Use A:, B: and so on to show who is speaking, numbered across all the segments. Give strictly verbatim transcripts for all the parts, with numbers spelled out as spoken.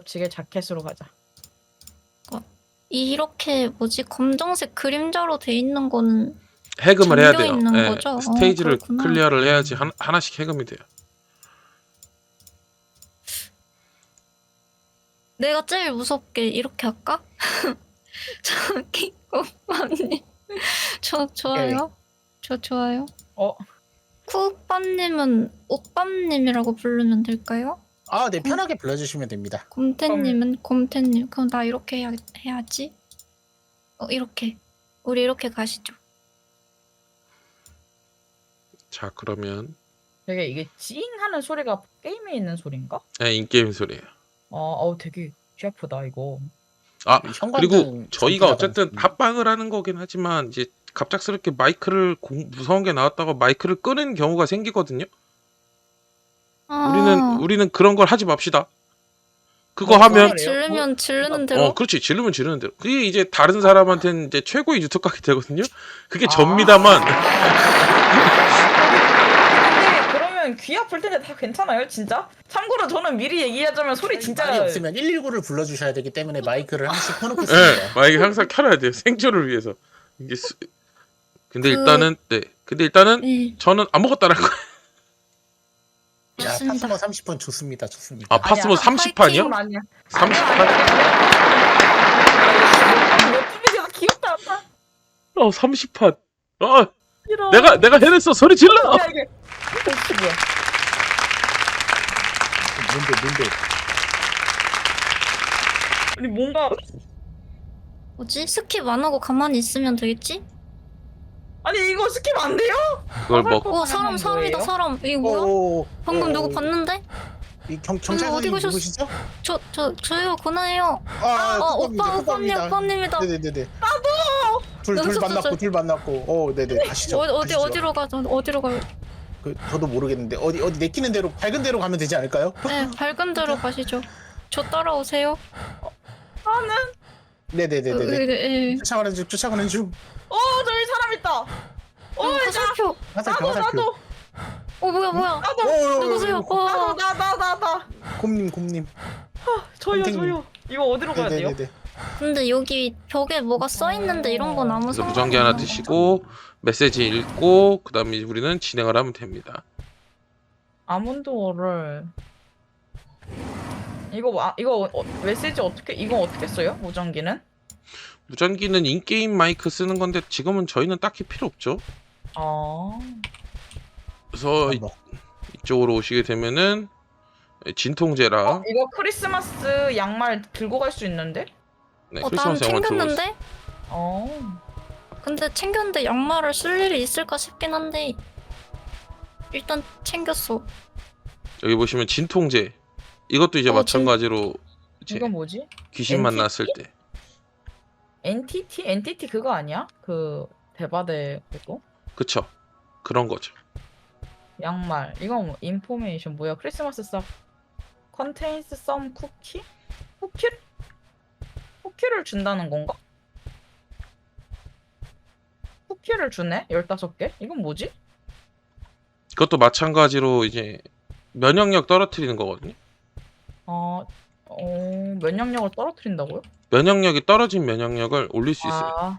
A: 겹치게 자켓으로 가자.
B: 이렇게 뭐지 검정색 그림자로 돼 있는 거는
C: 해금을 해야 돼요.
B: 있는
C: 예,
B: 거죠?
C: 스테이지를
B: 어,
C: 클리어를 해야지 한, 하나씩 해금이 돼요.
B: 내가 제일 무섭게 이렇게 할까? 저기 오빠님 저 좋아요. 저 좋아요.
A: 어?
B: 쿠오빠님은 오빠님이라고 부르면 될까요?
D: 아, 네, 편하게 불러주시면 됩니다.
B: 곰태님은 곰태님. 그럼 나 이렇게 해야, 해야지. 어 이렇게. 우리 이렇게 가시죠.
C: 자, 그러면
A: 되게 이게 찡 하는 소리가 게임에 있는 소리인가?
C: 예, 인게임 소리예요.
A: 어, 어우 되게 귀 아프다 이거.
C: 아,
D: 현관등
C: 그리고 저희가
D: 전기가
C: 어쨌든
D: 나갔습니다.
C: 합방을 하는 거긴 하지만 이제 갑작스럽게 마이크를 공, 무서운 게 나왔다고 마이크를 끄는 경우가 생기거든요.
B: 아,
C: 우리는 우리는 그런 걸 하지 맙시다. 그거
A: 어,
C: 하면
B: 소리 지르면 지르는 대로.
C: 어, 그렇지. 지르면 지르는 대로. 그게 이제 다른 사람한테는 이제 최고의 유튜브 각이 되거든요. 그게
A: 아.
C: 접니다만.
A: 근데 그러면 귀 아플 텐데 다 괜찮아요, 진짜? 참고로 저는 미리 얘기하자면 소리 진짜
D: 말이 없으면 일일구를 불러주셔야 되기 때문에 마이크를 하나씩
C: 예,
D: 켜놓겠습니다.
C: 마이크 항상 켜놔야 돼요. 생존을 위해서. 이게 수... 근데
B: 그-
C: 일단은 네. 근데 일단은
B: 네,
C: 저는 아무것도 안 할 거예요.
D: 야,
B: 좋습니다.
D: 파스모 삼십 분 좋습니다. 좋습니다.
C: 아, 파스모 삼십 판이요?
A: 아니야.
C: 삼십 판?
A: 몇분이야 귀엽다. 아빠.
C: 어, 삼십 판. 어,
A: 싫어.
C: 내가 내가 해냈어. 소리 질러.
A: 야 이게. 혹시 뭐야?
D: 뭔데, 뭔데?
A: 아니 뭔가
B: 뭐지? 스킵 안 하고 가만히 있으면 되겠지?
A: 아니 이거 스킵 안 돼요?
C: 그걸 먹.
B: 어 사람 사람이다
A: 뭐예요?
B: 사람. 이게 뭐야?
D: 오,
B: 방금
D: 오,
B: 누구
D: 오.
B: 봤는데?
D: 이 경,
B: 어디
D: 경찰관님
B: 가셨어?
D: 누구시죠?
B: 저 저 저요 고나예요.
D: 아,
B: 어
D: 쿠팡입니다,
B: 오빠 오빠님
D: 쿠팡입니다.
B: 오빠님이다.
D: 네네네네. 나도! 둘, 둘
B: 여기서
D: 만났고,
B: 저-
D: 둘 만났고. 어, 네네. 가시죠.
B: 어디 어디
D: 가시죠.
B: 어디로 가죠? 어디로 가요?
D: 그, 저도 모르겠는데, 어디, 어디 내키는 대로, 밝은 대로 가면 되지 않을까요?
B: 네 밝은 데로 가시죠. 저 따라오세요.
A: 나는
D: 네네네네네.
B: 네. 예.
D: 쫓아가는 중, 쫓아가는 중.
A: 어 저기 사람 있다. 어 나,
B: 화살표.
D: 화살표,
A: 나도
D: 화살표.
A: 나도
B: 어 뭐야 뭐야?
A: 나도
B: 누구세요?
D: 오,
A: 나도
B: 어.
A: 나 나 나 나.
D: 곰님, 곰님.
A: 저요
D: 선생님.
A: 저요. 이거 어디로 가야 돼요?
D: 네네네네.
B: 근데 여기 벽에 뭐가 써 있는데 이런 건 아무
C: 그래서
B: 상관이
C: 무전기 하나
B: 없나?
C: 드시고 메시지 읽고 그다음에 우리는 진행을 하면 됩니다.
A: 아몬드오를 이거 아, 이거 어, 메시지 어떻게 이거 어떻게 써요? 무전기는?
C: 무전기는 인게임 마이크 쓰는 건데 지금은 저희는 딱히 필요 없죠.
A: 아
C: 그래서 이,
D: 뭐.
C: 이쪽으로 오시게 되면은 진통제라
A: 어, 이거 크리스마스 양말 들고 갈 수 있는데?
C: 네,
B: 어, 난
C: 크리스마스 영화 들어가 있어요.
B: 챙겼는데?
A: 어.
B: 근데 챙겼는데 양말을 쓸 일이 있을까 싶긴 한데 일단 챙겼어.
C: 여기 보시면 진통제 이것도 이제
B: 어,
C: 마찬가지로 이제
A: 이건 뭐지?
C: 귀신
A: 엔티티?
C: 만났을 때
A: 엔티티? 엔티티 그거 아니야? 그 대바대 그거?
C: 그쵸 그런 거죠.
A: 양말 이건 뭐, 인포메이션 뭐야? 크리스마스 stuff contains some cookie? 쿠키? 쿠키를 준다는 건가? 쿠키를 주네? 열다섯 개? 이건 뭐지?
C: 그것도 마찬가지로 이제 면역력 떨어뜨리는 거거든요.
A: 어... 어... 면역력을 떨어뜨린다고요?
C: 면역력이 떨어진 면역력을 올릴 수 있어요.
A: 아...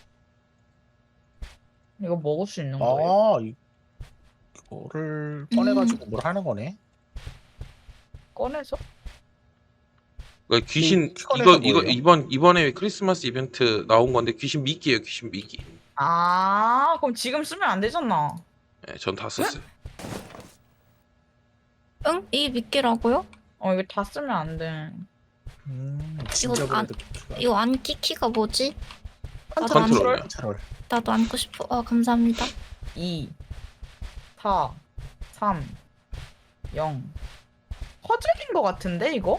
A: 이거 먹을 수 있는 거예요?
D: 아, 이- 이거를 꺼내가지고 뭘 하는 거네?
A: 꺼내서?
C: 그러니까 귀신
D: 이 키커네가
C: 이거 이거
D: 뭐예요?
C: 이번 이번에 크리스마스 이벤트 나온 건데 귀신 미끼예요. 귀신 미끼.
A: 아... 그럼 지금 쓰면 안 되잖아.
C: 네, 전 다 썼어요.
B: 응? 이 미끼라고요?
A: 어 이거 다 쓰면 안 돼.
D: 음, 진짜
B: 이거 안-
D: 그래도
B: 이거 안기 키가 뭐지? 나도 안,
C: 컨트롤.
D: 컨트롤.
B: 나도 안고 싶어. 어 감사합니다.
A: 이, 사, 삼, 영. 퍼즐인 것 같은데 이거?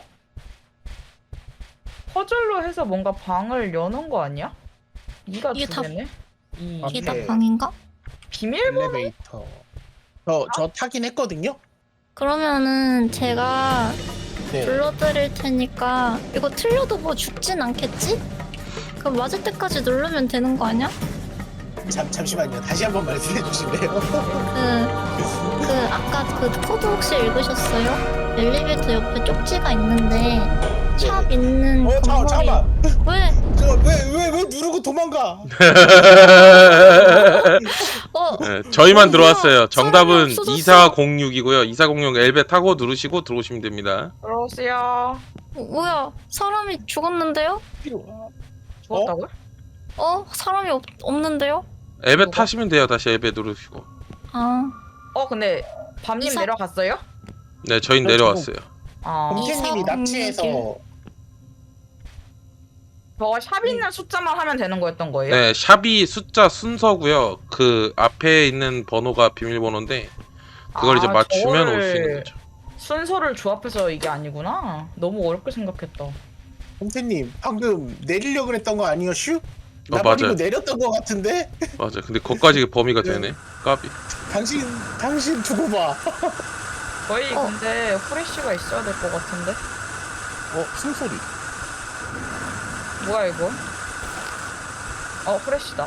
A: 퍼즐로 해서 뭔가 방을 여는 거 아니야? 이가
B: 이게
A: 두
B: 다-
A: 개네? 이
D: 아,
B: 이게
D: 네.
B: 다 방인가?
A: 비밀번호?
D: 엘리베이터. 저, 저 타긴 했거든요?
B: 그러면은 제가
D: 네.
B: 불러드릴 테니까 이거 틀려도 뭐 죽진 않겠지? 그럼 맞을 때까지 누르면 되는 거 아니야?
D: 잠, 잠시만요. 다시 한번 말씀해 주실래요?
B: 그, 그 아까 그 코드 혹시 읽으셨어요? 엘리베이터 옆에 쪽지가 있는데 있는
D: 어 잠깐
B: 건물이.
D: 잠깐.
B: 왜?
D: 왜왜 왜 누르고 도망가?
B: 어?
C: 네, 저희만 들어왔어요. 정답은
B: 사람이 없어졌어.
C: 이사공육이고요. 이사공육 엘베 타고 누르시고 들어오시면 됩니다.
A: 들어오세요.
B: 어, 뭐야? 사람이 죽었는데요?
A: 죽었다고요?
B: 어? 사람이 없, 없는데요?
C: 엘베
A: 뭐가?
C: 타시면 돼요. 다시 엘베 누르시고.
B: 아,
A: 어 근데 밤님
B: 이사-
A: 내려갔어요?
C: 네, 저희
D: 어,
C: 내려왔어요.
A: 아
D: 범태님이
B: 이사
D: 납치해서
A: 저거 샵 있는 숫자만 하면 되는 거였던 거예요?
C: 네, 샵이 숫자 순서고요. 그 앞에 있는 번호가 비밀번호인데 그걸
A: 아,
C: 이제 맞추면
A: 저거를
C: 올 수 있는 거죠.
A: 순서를 조합해서 이게 아니구나. 너무 어렵게 생각했다.
D: 범태님 방금 내리려고 그랬던 거 아니었슈? 나
C: 어,
D: 버리고
C: 맞아요.
D: 내렸던 거 같은데?
C: 맞아. 근데 거기까지 범위가 되네. 까비.
D: 당신 당신 두고 봐.
A: 거의
B: 어.
A: 근데 후레쉬가 있어야 될 것 같은데.
D: 어 숨소리.
A: 뭐야 이거? 어 후레쉬다.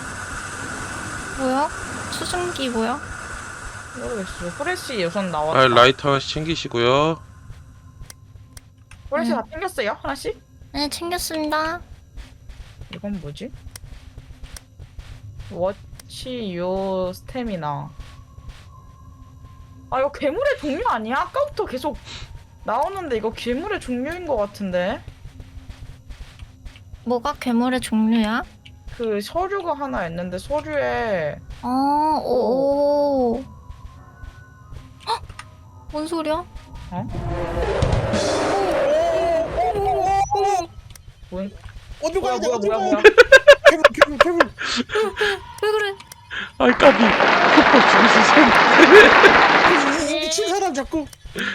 B: 뭐야? 수증기 뭐야?
A: 모르겠어. 후레쉬 우선 나왔다.
C: 아, 라이터 하나씩 챙기시고요.
A: 후레쉬
B: 음.
A: 다 챙겼어요? 하나씩?
B: 네, 챙겼습니다.
A: 이건 뭐지? 워치 요 스태미나. 아 이거 괴물의 종류 아니야? 아까부터 계속 나오는데 이거 괴물의 종류인 것 같은데.
B: 뭐가 괴물의 종류야?
A: 그 서류가 하나 있는데 서류에
B: 아, 오. 헉! 뭔 소리야?
A: 뭔
D: 어디
A: 뭐야
D: 가야 돼?
A: 뭐야
D: 어디
A: 뭐야
D: 가야
A: 뭐야?
D: 돼? 괴물 괴물 괴물.
B: 왜 그래?
C: 아이 까비. 죽으세요.
D: 미친 사람 자꾸.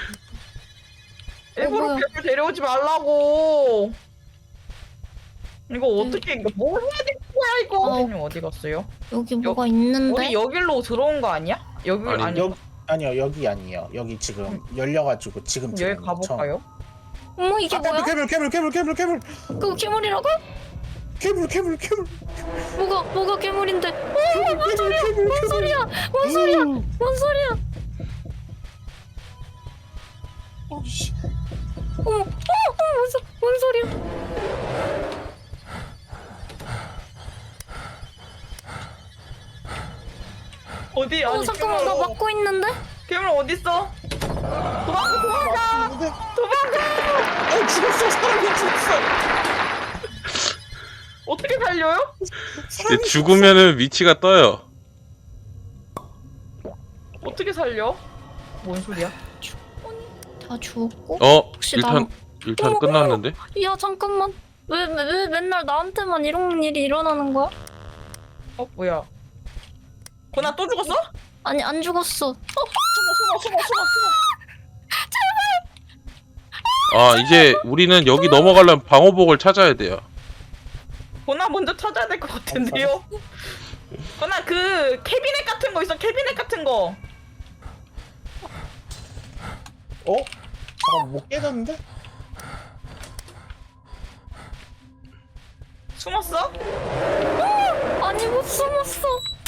A: 일부러
B: 뭐야?
A: 괴물 데려오지 말라고. 이거 어떻게 이거 뭘 해야 되는 거야 이거?
B: 어.
A: 선생님 어디 갔어요?
B: 여기 뭐가 있는데?
A: 우리 여길로 들어온 거 아니야? 여기
C: 아니,
A: 아니
D: 여기 아니요 여기 아니에요. 여기 지금 열려가지고 지금
A: 여기
D: 들어오는 거
A: 가볼까요?
B: 어머, 이게
D: 아,
B: 뭐야?
D: 괴물 괴물 괴물 괴물 괴물
B: 그거 괴물이라고?
D: 괴물 괴물 괴물
B: 뭐가, 뭐가 괴물인데? 어,
D: 괴물 괴물
B: 뭔 소리야? 뭔 소리야? 뭔 소리야?
D: 어씨.
B: 어머, 어머, 어머, 뭔, 소, 뭔 소리야?
A: 어디?
B: 어,
A: 아니
B: 잠깐만, 나
A: 괴물,
B: 막고 있는데?
A: 괴물 어디 있어? 도망가 도망가 도망가!
D: 어 죽었어 사람이 죽었어.
A: 어떻게 살려요?
D: 사람이
C: 죽으면은 위치가 떠요.
A: 어떻게 살려? 뭔 소리야?
B: 다 죽었고?
C: 어,
B: 혹시
C: 일탄
B: 나는-
C: 일탄
B: 어머,
C: 끝났는데?
B: 야, 잠깐만. 왜, 왜, 왜 맨날 나한테만 이런 일이 일어나는 거야?
A: 어 뭐야? 고나 또 죽었어?
B: 아니, 안 죽었어.
A: 숨어 숨어 숨어 숨어 숨어.
C: 아, 이제 우리는 여기 넘어가려면 방어복을 찾아야 돼요.
A: 고나 먼저 찾아야 될 것 같은데요? 고나 그 캐비넷 같은 거 있어 캐비넷 같은 거.
D: 어? 잠깐 못 깨졌는데?
A: 숨었어?
B: 아니, 못 숨었어.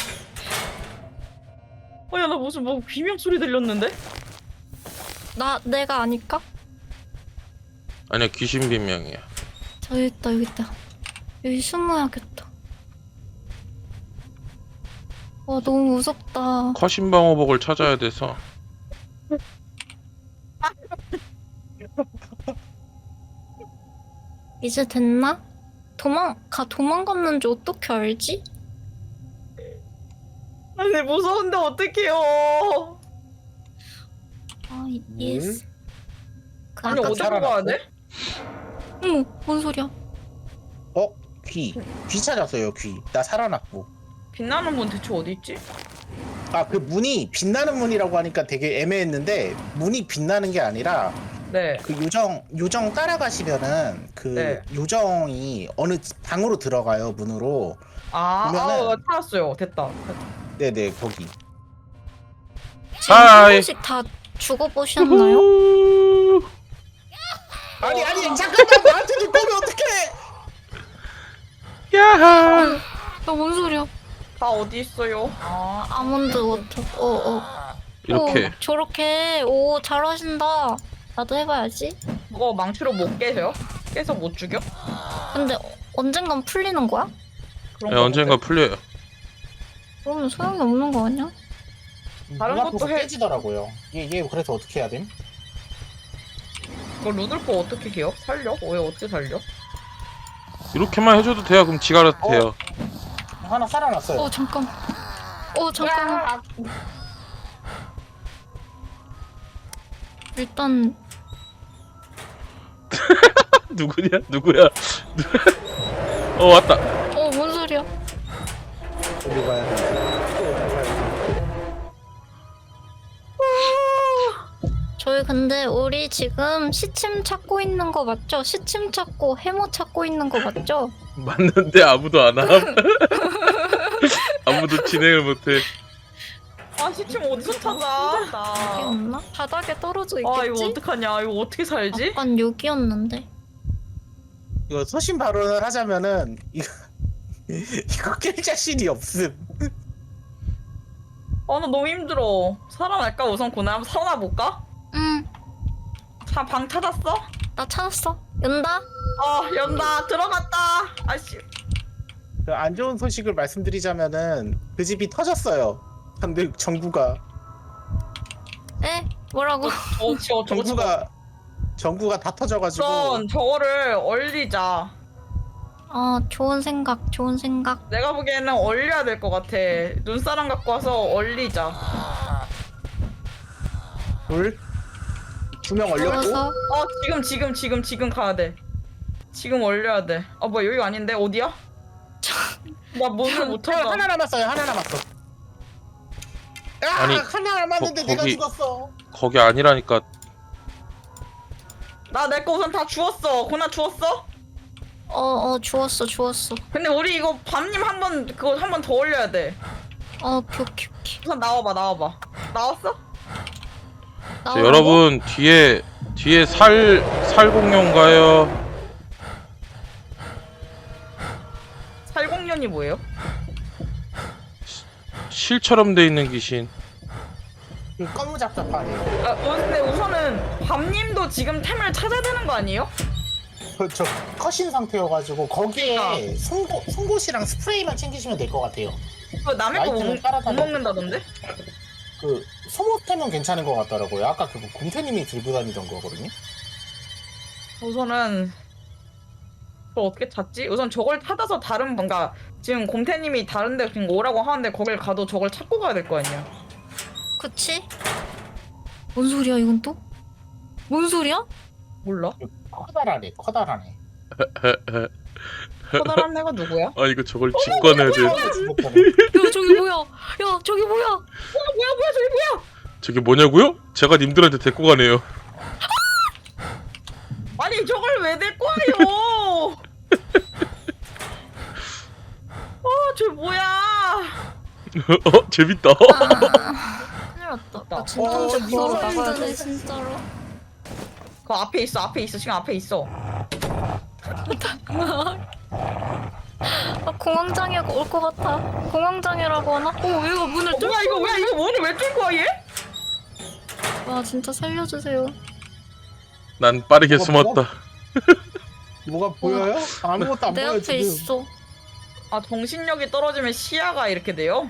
A: 어야 나 무슨 뭐 비명 소리 들렸는데?
B: 나, 내가 아닐까?
C: 아니야, 귀신 비명이야.
B: 저기 있다, 여기 있다. 여기 숨어야겠다. 와, 너무 무섭다.
C: 커신 방어복을 찾아야 돼서.
B: 이제 됐나? 도망, 가, 도망갔는지 어떻게 알지?
A: 아니 무서운데 어떡해요?
B: 아, 이- 예스. 그
A: 아니
B: 아까
A: 어디로
D: 살아났고?
A: 가야 돼?
B: 어머, 뭔 소리야?
D: 어? 귀. 귀 찾았어요 귀. 나 살아났고.
A: 빛나는 문 대체 어디 있지?
D: 아 그 문이 빛나는 문이라고 하니까 되게 애매했는데 문이 빛나는 게 아니라
A: 네.
D: 그 요정 요정 따라가시면은 그
A: 네.
D: 요정이 어느 방으로 들어가요 문으로.
A: 아,
D: 보면은-
A: 아, 찾았어요. 됐다.
D: 네네 거기.
B: 지금 한
C: 하이.
B: 번씩 다 죽어보셨나요?
C: 우후.
D: 아니 아니 잠깐만 나한테 좀 꺼면 어떡해?
C: 야하.
B: 나뭔 소리야?
A: 다 어디 있어요? 아,
B: 아몬드 워터. 어, 어.
C: 이렇게.
B: 오, 저렇게. 오, 잘하신다. 나도 해봐야지.
A: 그거 망치로 못 깨세요? 깨서 못 죽여?
B: 근데 언젠간 풀리는 거야?
A: 그런
C: 네,
A: 거
C: 언젠가
A: 같아.
C: 풀려요.
B: 그러면 소용이 없는 거 아니야?
A: 다른
D: 눈 앞에서
A: 것도 해.
D: 깨지더라고요. 얘, 얘 그래서 어떻게 해야 됨?
A: 그거 루돌프 어떻게 해요? 살려? 왜 어떻게 살려?
C: 이렇게만 해줘도 돼요. 그럼 지가 알아서 돼요.
D: 하나 살아났어요.
B: 어 잠깐. 어 잠깐. 일단
C: 누구냐? 누구야? 어 왔다.
B: 어 뭔 소리야?
D: 어디 가야 돼?
B: 저희 근데 우리 지금 시침 찾고 있는 거 맞죠? 시침 찾고 해머 찾고 있는 거 맞죠?
C: 맞는데 아무도 안 함. 아무도 진행을 못해.
A: 아 시침 어디서 찾아?
B: 여기
A: 나.
B: 없나? 바닥에 떨어져
A: 아 이거
B: 있겠지?
A: 어떡하냐? 이거 어떻게 살지?
B: 약간 여기였는데.
D: 이거 소신 발언을 하자면은 이거 이거 깰 자신이 없음.
A: 아 나 너무 힘들어. 살아날까 우선 고나 한번 살아나 볼까?
B: 응.
A: 자 방 찾았어?
B: 나 찾았어. 연다.
A: 어 연다 들어갔다. 아씨.
D: 그 안 좋은 소식을 말씀드리자면은 그 집이 터졌어요. 근데 정부가
B: 에? 뭐라고?
A: 어 지워 저거 지워.
D: 정부가 정부가 다 터져가지고
A: 우선 저거를 얼리자.
B: 어 좋은 생각. 좋은 생각.
A: 내가 보기에는 얼려야 될 것 같아. 눈사람 갖고 와서 얼리자.
D: 둘 두 명 얼렸고
B: 그래서
A: 어 지금 지금 지금 지금 가야 돼. 지금 얼려야 돼. 아 뭐야 여기가 아닌데 어디야? 나 문을 못
D: 하나,
A: 찾아.
D: 하나 남았어요. 하나 남았어. 아,
C: 아니,
D: 하나 남았는데
C: 거-
D: 내가
C: 거기-
D: 죽었어.
C: 거기 아니라니까.
A: 나 내 거 우선 다 주웠어. 고나 주웠어?
B: 어어 주웠어 주웠어.
A: 근데 우리 이거 밤님 한 번 그거 한 번 더 올려야 돼.
B: 어 오케이 오케이 오케이.
A: 우선 나와봐 나와봐. 나왔어?
C: 자,
B: 나오라고?
C: 여러분 뒤에 뒤에 살 살공룡가요.
A: 살공년이 뭐예요?
C: 실처럼 돼 있는 귀신.
D: 그 검무잡잡하네요.
A: 아 어, 근데 우선은 밤님도 지금 템을 찾아야 되는 거 아니에요?
D: 그저 컷인 상태여가지고 거기에
A: 그러니까.
D: 송곳 송곳이랑 스프레이만 챙기시면 될 것 같아요.
A: 그 남의 거 못
D: 라이트는 따라다녀.
A: 먹는다던데?
D: 그 소모템은 괜찮은 것 같더라고요. 아까 그 곰태님이 들고 다니던 거거든요.
A: 우선은 그걸 어떻게 찾지? 우선 저걸 찾아서 다른 뭔가 지금 곰태님이 다른데 그냥 오라고 하는데 거길 가도 저걸 찾고 가야 될 거 아니야?
B: 그치? 뭔 소리야 이건 또? 뭔 소리야?
A: 몰라?
D: 커다라네, 커다라네.
A: 커다란 애가 누구야?
C: 아 이거 저걸 직관해야 돼.
B: 야 저기 뭐야? 야 저기 뭐야?
A: 뭐야 뭐야 저기 뭐야?
C: 저게 뭐냐고요? 제가 님들한테 데리고 가네요.
A: 아니 저걸 왜 데리고 와요? 아저 뭐야?
C: 어 재밌다.
B: 아, 큰일 났다. 나
D: 어,
B: 진통제
D: 이거
B: 보러 나가야 돼
D: 힘드네.
B: 진짜로.
A: 그 앞에 있어 앞에 있어 지금 앞에 있어.
B: 아 공황장애 올 것 같아. 공황장애라고 하나? 어 얘가 문을
A: 어,
B: 뚫.
A: 뭐야 이거 뭐야 이거 뭐니 왜 뚫고 와 얘?
B: 와 진짜 살려주세요.
C: 난 빠르게
D: 뭐가
C: 숨었다.
D: 뭐가 보여요? 아무것도 안
B: 내
D: 보여
B: 앞에
D: 지금.
B: 있어.
A: 아 정신력이 떨어지면 시야가 이렇게 돼요?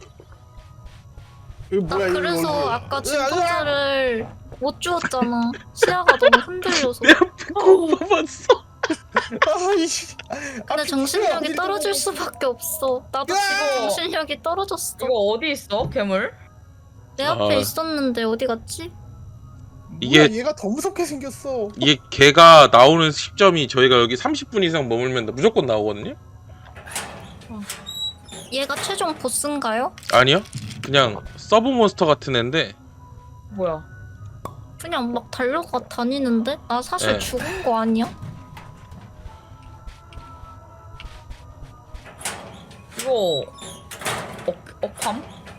D: 이거
B: 나
D: 뭐야 이거
B: 그래서
D: 이거.
B: 아까
D: 으아,
B: 진통제를 못 주었잖아. 시야가 너무 흔들려서.
C: 내 앞에 꼭 봐봤어.
D: 아, 이씨.
B: 근데
D: 아,
B: 정신력이
D: 어디
B: 떨어질
D: 들어가.
B: 수밖에 없어. 나도
D: 야!
B: 지금 정신력이 떨어졌어.
A: 이거 어디 있어 괴물?
B: 내 앞에
C: 아.
B: 있었는데 어디 갔지?
C: 이게-
D: 뭐야, 얘가 더 무섭게 생겼어.
C: 이게 걔가 나오는 시점이 저희가 여기 삼십 분 이상 머물면 무조건 나오거든요.
B: 얘가 최종 보스인가요?
C: 아니요. 그냥 서브 몬스터 같은 애인데
A: 뭐야?
B: 그냥 막 달려가 다니는데? 나 사실
C: 네.
B: 죽은 거 아니야?
A: 이거 억 억함?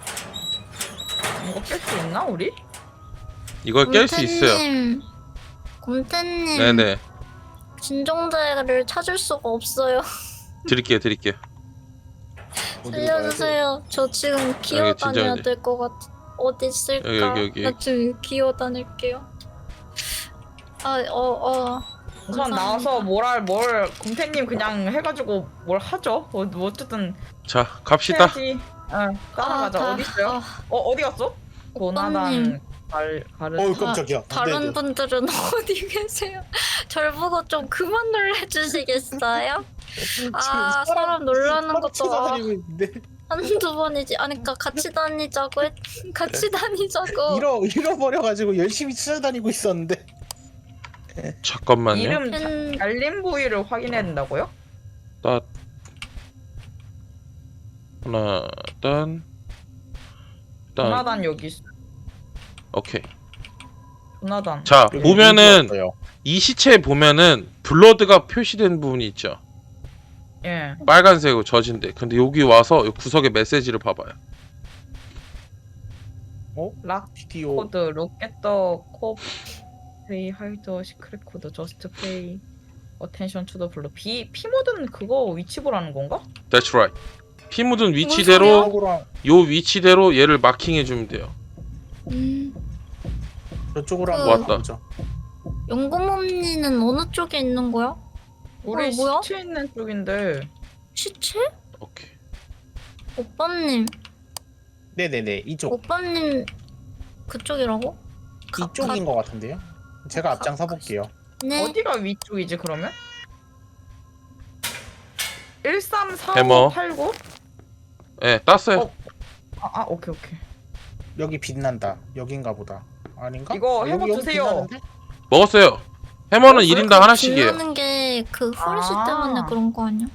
A: 이거 깰 수 있나 우리?
C: 이걸 깰 수 있어요.
B: 곰태님, 곰태님,
C: 네네.
B: 진정제를 찾을 수가 없어요.
C: 드릴게요, 드릴게요.
D: 어디로 가야 돼?
B: 살려주세요. 저 지금 기어
C: 여기
B: 다녀야
C: 진정제.
B: 될 것 같아. 어디 있을까?
C: 여기, 여기, 여기.
B: 나 지금 기어 다닐게요. 아, 어, 어.
A: 우선
B: 감사합니다.
A: 나와서 뭘할 뭘 곰태님 그냥 해가지고 뭘 하죠. 뭐, 뭐 어쨌든
C: 자 갑시다.
A: 해야지. 응, 따라가자.
B: 아, 다-
A: 어디 있어요?
B: 아,
A: 어 어디 갔어? 고나단 갈 가르.
D: 어우 깜짝이야.
B: 다른
D: 네네.
B: 분들은 어디 계세요? 절 보고 좀 그만 놀래주시겠어요? 아, 사람 놀라는
D: 사람
B: 것도
D: 찾아다니고 있는데
B: 한두 번이지. 아니, 그니까 같이 다니자고 했, 같이 다니자고.
D: 잃어 잃어버려가지고 열심히 찾아다니고 있었는데.
C: 잠깐만요.
A: 이름
B: 팬-
A: 알림 부위를 확인해야 된다고요?
C: 나 하나 딴 딴.
A: 고나단 여기 있어.
C: 오케이.
A: 고나단.
C: 자
D: 여기
C: 보면은
D: 문 들어왔어요.
C: 이 시체에 보면은 블러드가 표시된 부분이 있죠.
A: 예.
C: 빨간색으로 젖은데. 근데 여기 와서 이 구석에 메시지를 봐봐요.
A: 락
D: 비디오
A: 코드 로켓 더 코 페이 하이더 시크릿 코드 저스트 페이 어텐션 투 더 블루 비 피모드는 그거 위치 보라는 건가?
C: That's right. 피 묻은
B: 소리야?
C: 위치대로
D: 저쪽으로
C: 요 위치대로 얘를 마킹해 주면 돼요.
B: 음,
D: 저쪽으로
B: 그-
D: 한번
C: 왔다.
D: 가보죠.
B: 연금언니는 어느 쪽에 있는 거야?
A: 우리
B: 어, 뭐야?
A: 시체 있는 쪽인데
B: 시체?
C: 오케이.
B: 오빠님,
D: 네네네 이쪽
B: 오빠님 그쪽이라고? 가-
D: 이쪽인 것 같은데요. 제가 앞장서 볼게요.
B: 네.
A: 어디가 위쪽이지 그러면?
C: 해머.
A: 일삼사오팔구?
C: 예, 땄어요.
A: 어. 아, 아 오케이 오케이.
D: 여기 빛난다. 여긴가 보다. 아닌가?
A: 이거
D: 여기,
A: 해머
D: 여기
A: 주세요.
D: 빛나는데?
C: 먹었어요. 해머는
A: 어,
C: 일 인당 하나씩이에요.
B: 빛나는 게그 후레쉬
A: 아.
B: 때문에 그런 거 아니야?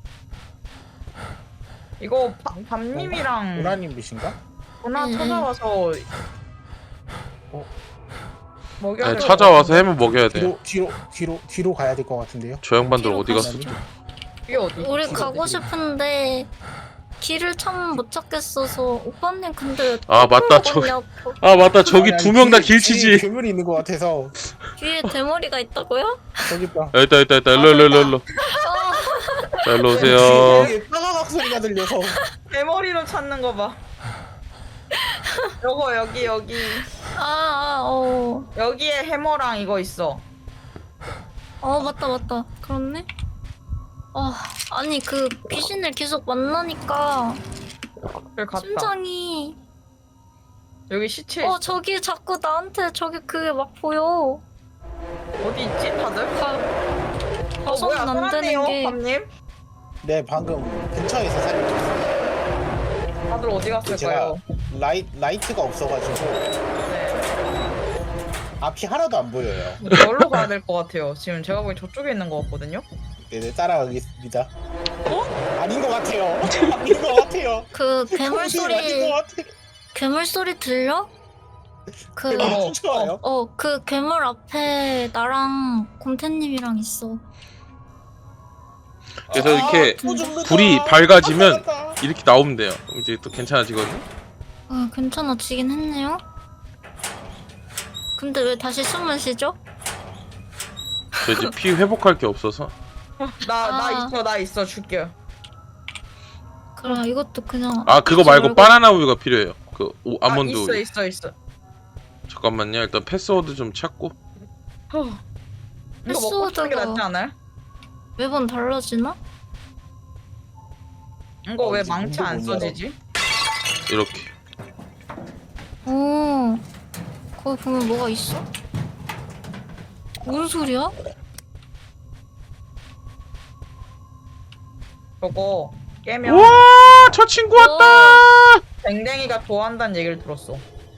A: 이거 바, 밤님이랑
D: 보라님이신가?
A: 누나
B: 응, 응.
A: 찾아와서
D: 어?
A: 먹여야
C: 네,
A: 될것
C: 찾아와서
A: 같은데?
C: 해머 먹여야 돼요.
D: 뒤로 뒤로 뒤로 뒤로 가야 될 것 같은데요.
C: 저 양반들
B: 뒤로
C: 어디
B: 가시죠.
C: 갔어?
A: 이게 어디?
B: 우리
D: 길이
B: 가고
D: 어디?
B: 싶은데 길을 참 못 찾겠어서. 오빠님 근데
C: 아, 맞다.
B: 저기
C: 저기- 아 맞다. 저기
D: 아니, 아니,
C: 두 명 다
D: 뒤에- 뒤에
C: 길치지.
D: 괴물이 있는 것 같아서
B: 뒤에 대머리가 있다고요?
D: 저기 있다.
C: 아, 있다 있다 있다. 일로 일로 일로 일로. 자 일로 오세요.
D: 뒤에 빠가박 소리가 들려서
A: 대머리로 찾는 거 봐. 요거 여기 여기
B: 아, 아, 어.
A: 여기에 해머랑 이거 있어.
B: 어, 맞다, 맞다. 그렇네. 아, 아니 그 귀신을 계속 만나니까
A: 그래 갔다.
B: 심장이.
A: 여기 시체
B: 어, 저기 자꾸 나한테 저기 그게 막 보여.
A: 어디 있지 다들?
B: 가,
A: 어
B: 가서는
A: 뭐야
B: 안 되는
A: 살았네요
B: 게.
A: 밤님.
D: 네 방금 근처에서 살려줬어요.
A: 다들 어디
D: 제가
A: 갔을까요?
D: 라이 라이트가 없어가지고
A: 네.
D: 앞이 하나도 안 보여요.
A: 여기로 가야 될 것 같아요. 지금 제가 보기 저쪽에 있는 것 같거든요.
D: 네네 따라가겠습니다.
A: 어?
D: 아닌 것 같아요. 아닌 것 같아요.
B: 그 괴물
D: 아닌 것
B: 소리,
D: 같아요.
B: 괴물 소리 들려? 그,
D: 괴물
A: 어,
D: 쫓아와요.
B: 어, 그 괴물 앞에 나랑 곰태님이랑 있어.
C: 그래서
D: 아,
C: 이렇게
D: 또 죽는다.
C: 불이 밝아지면
D: 아, 살았다.
C: 이렇게 나오면 돼요. 그럼 이제 또 괜찮아지거든요.
B: 어, 괜찮아지긴 했네요. 근데 왜 다시 숨을 쉬죠?
C: 저 이제 피 회복할 게 없어서.
A: 나 나
B: 아.
A: 있어 나 있어 줄게.
B: 그래, 이것도 그냥.
C: 아 그거
B: 아끼지
C: 말고
B: 말고.
C: 바나나 우유가 필요해요. 그 오,
A: 아,
C: 아몬드
A: 있어
C: 우유.
A: 있어 있어.
C: 잠깐만요. 일단 패스워드 좀 찾고.
A: 허. 이거 먹고 싶은 게
B: 패스워드가-
A: 낫지 않아요?
B: 매번 달라지나?
A: 이거
D: 어,
A: 왜
D: 이제
A: 망치
D: 문도
A: 안
D: 못 열어.
A: 써지지?
C: 이렇게.
B: 오, 거기 보면 뭐가 있어? 뭔 소리야?
A: 저거 깨면
C: 우와 저 친구 왔다.
A: 댕댕이가 좋아한다는 얘기를 들었어.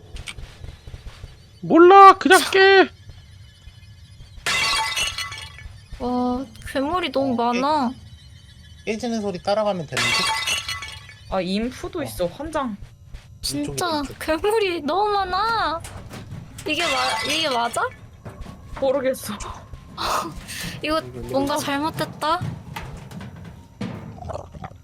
C: 몰라 그냥 깨.
B: 와, 괴물이 너무 많아.
D: 깨지는 소리 따라가면 되는데.
A: 아 인프도 있어 환장.
B: 진짜
D: 이쪽이다, 이쪽.
B: 괴물이 너무 많아. 이게 마, 이게 맞아?
A: 모르겠어.
B: 이거
D: 이거
B: 뭔가 잘못됐다.